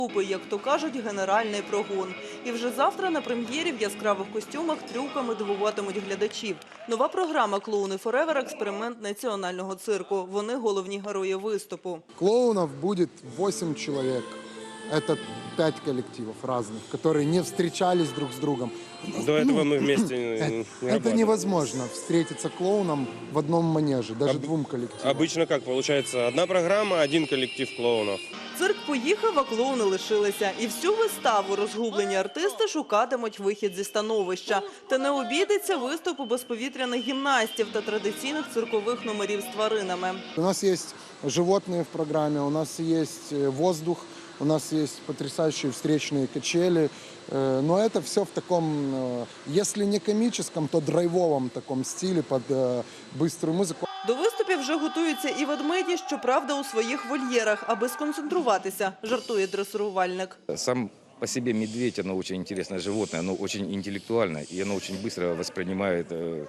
Як то кажуть, генеральний прогон. І вже завтра на прем'єрі в яскравих костюмах трюками дивуватимуть глядачів. Нова програма «Клоуни Форевер» – експеримент національного цирку. Вони головні герої виступу. Клоунов будет 8 человек. Это 5 коллективов разных, которые не встречались друг с другом. До этого мы вместе не Это работали. невозможно встретиться клоуном в одном манеже, даже двум коллективам. Обычно как получается? Одна программа, один коллектив клоунов. Цирк поїхав, а клоуни лишилися. І всю виставу розгублені артисти шукатимуть вихід зі становища. Та не обійдеться виступу безповітряних гімнастів та традиційних циркових номерів з тваринами. У нас есть животные в программе, у нас есть воздух, у нас есть потрясающие встречные качели. Но это все в таком, если не комическом, то драйвовом таком стиле под быструю музыку. До виступів вже готуються і ведмеді, щоправда, у своїх вольєрах, аби сконцентруватися, жартує дресирувальник. Сам по себе медведь, оно очень интересное животное, оно очень интеллектуальное, и оно очень быстро воспринимает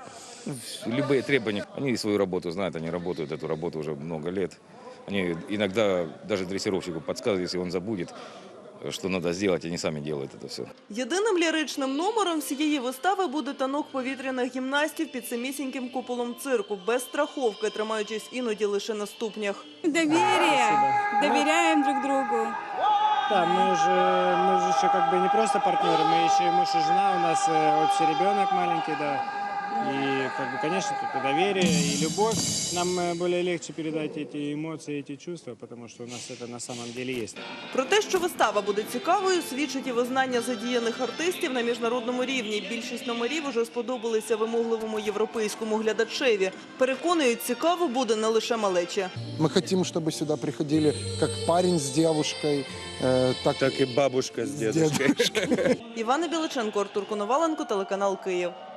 любые требования. Они свою работу знают, они работают эту работу уже много лет. Они иногда даже дрессировщику подсказывают, если он забудет, що треба зробити, вони самі роблять це все. Єдиним ліричним номером всієї вистави буде танок повітряних гімнастів під самісіньким куполом цирку, без страховки, тримаючись іноді лише на ступнях. Доверие. Доверяем друг другу. Да, мы же еще как бы не просто партнеры, мы еще и муж и жена, у нас общий ребенок маленький, да. И, как бы, конечно, тут и доверие, и любовь. Нам более легче передать эти эмоции, эти чувства, потому что у нас это на самом деле есть. Про те, що вистава буде цікавою, свідчить і визнання задіяних артистів на міжнародному рівні. Більшість номерів уже сподобалися вимогливому європейському глядачеві. Переконують, цікаво буде не лише малечі. Мы хотим, чтобы сюда приходили как парень с девушкой, Так и бабушка с дедушкой. Івана Біличенко, Артур Коноваленко, телеканал «Київ».